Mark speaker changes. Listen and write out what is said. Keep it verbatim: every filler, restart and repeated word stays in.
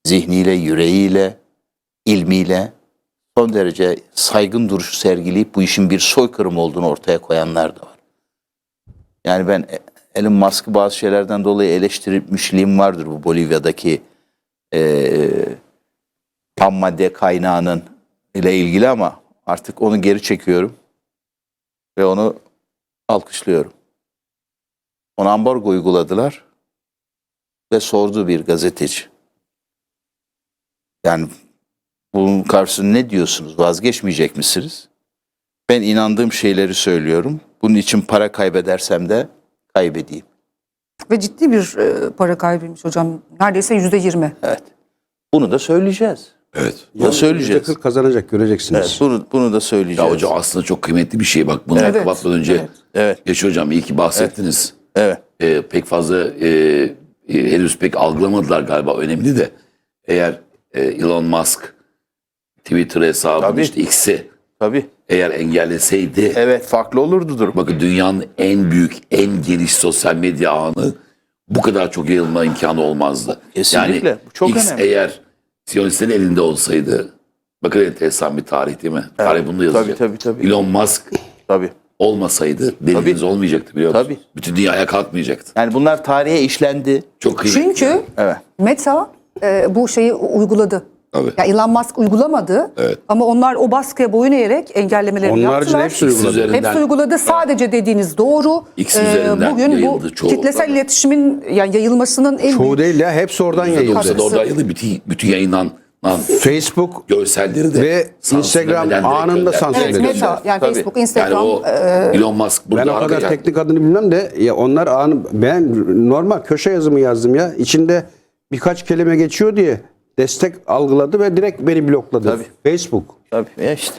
Speaker 1: zihniyle, yüreğiyle, ilmiyle son derece saygın duruşu sergileyip bu işin bir soykırım olduğunu ortaya koyanlar da var. Yani ben Elon Musk'ı bazı şeylerden dolayı eleştirmişliğim vardır bu Bolivya'daki e, ham madde kaynağının ile ilgili ama artık onu geri çekiyorum ve onu alkışlıyorum. Ona ambargo uyguladılar ve sordu bir gazeteci. Yani bunun karşısında ne diyorsunuz? Vazgeçmeyecek misiniz? Ben inandığım şeyleri söylüyorum. Bunun için para kaybedersem de kaybedeyim.
Speaker 2: Ve ciddi bir e, para kaybıymış hocam. Neredeyse yüzde yirmi.
Speaker 1: Evet. Bunu da söyleyeceğiz.
Speaker 3: Evet.
Speaker 1: Bunu da söyleyeceğiz.
Speaker 4: yüzde kırk kazanacak, göreceksiniz.
Speaker 1: Evet, bunu, bunu da söyleyeceğiz.
Speaker 3: Ya hocam aslında çok kıymetli bir şey. Bak bunu
Speaker 2: Evet.
Speaker 3: kapatmadan önce
Speaker 2: Evet.
Speaker 1: Evet.
Speaker 3: Yaşar hocam iyi ki bahsettiniz.
Speaker 1: Evet.
Speaker 3: Ee, pek fazla e, e, henüz pek algılamadılar galiba, önemli de. Eğer e, Elon Musk Twitter hesabını
Speaker 1: Tabii.
Speaker 3: işte X'i
Speaker 1: Tabii.
Speaker 3: eğer engelleseydi,
Speaker 1: Evet, farklı olurdu durum.
Speaker 3: bakın dünyanın en büyük, en geniş sosyal medya ağını bu kadar çok yayılma imkanı olmazdı.
Speaker 1: Kesinlikle.
Speaker 3: Yani
Speaker 1: Bu çok
Speaker 3: X
Speaker 1: önemli.
Speaker 3: eğer Siyonistlerin elinde olsaydı, bakın enteresan bir tarih değil mi? Tarih bunu yazacak.
Speaker 1: Tabii, tabii, tabii.
Speaker 3: Elon Musk
Speaker 1: Tabii.
Speaker 3: olmasaydı deniz olmayacaktı, biliyor musunuz?
Speaker 1: Tabii.
Speaker 3: Bütün dünya ayağa kalkmayacaktı.
Speaker 1: Yani bunlar tarihe işlendi.
Speaker 3: Çok kıymetli.
Speaker 2: Çünkü
Speaker 1: Evet.
Speaker 2: Meta e, bu şeyi uyguladı.
Speaker 3: Tabii.
Speaker 2: Ya Elon Musk uygulamadı
Speaker 3: Evet.
Speaker 2: ama onlar o baskıya boyun eğerek engellemelerini
Speaker 4: Onun haricinde
Speaker 2: yaptılar.
Speaker 4: hepsi uyguladı.
Speaker 3: üzerinden-
Speaker 2: Hepsi uyguladı. Sadece dediğiniz doğru.
Speaker 3: X
Speaker 2: Ee,
Speaker 3: üzerinden
Speaker 2: bugün bu
Speaker 3: yayıldı çoğu.
Speaker 2: kitlesel
Speaker 3: Tabii.
Speaker 2: iletişimin yani yayılmasının en
Speaker 4: Çoğu
Speaker 2: büyük
Speaker 4: değil ya, hepsi oradan yayıldı.
Speaker 3: Yoksa da orada yayıldı, bütün, bütün yayınlanan
Speaker 4: Facebook
Speaker 3: görselleri de
Speaker 4: ve Instagram
Speaker 3: sansürlemeden direkt
Speaker 4: anında
Speaker 3: gönder-
Speaker 4: sansür
Speaker 2: evet,
Speaker 4: edildi.
Speaker 2: Meta yani
Speaker 1: Tabii.
Speaker 2: Facebook,
Speaker 3: Yani
Speaker 2: Instagram
Speaker 3: o
Speaker 2: e,
Speaker 3: Elon Musk burada
Speaker 4: Ben o kadar
Speaker 3: arkaya-
Speaker 4: teknik adını bilmem de ya onlar anı, ben normal köşe yazımı yazdım ya. İçinde birkaç kelime geçiyor diye destek algıladı ve direkt beni blokladı.
Speaker 1: Tabii.
Speaker 4: Facebook.
Speaker 1: Tabii. Ya işte.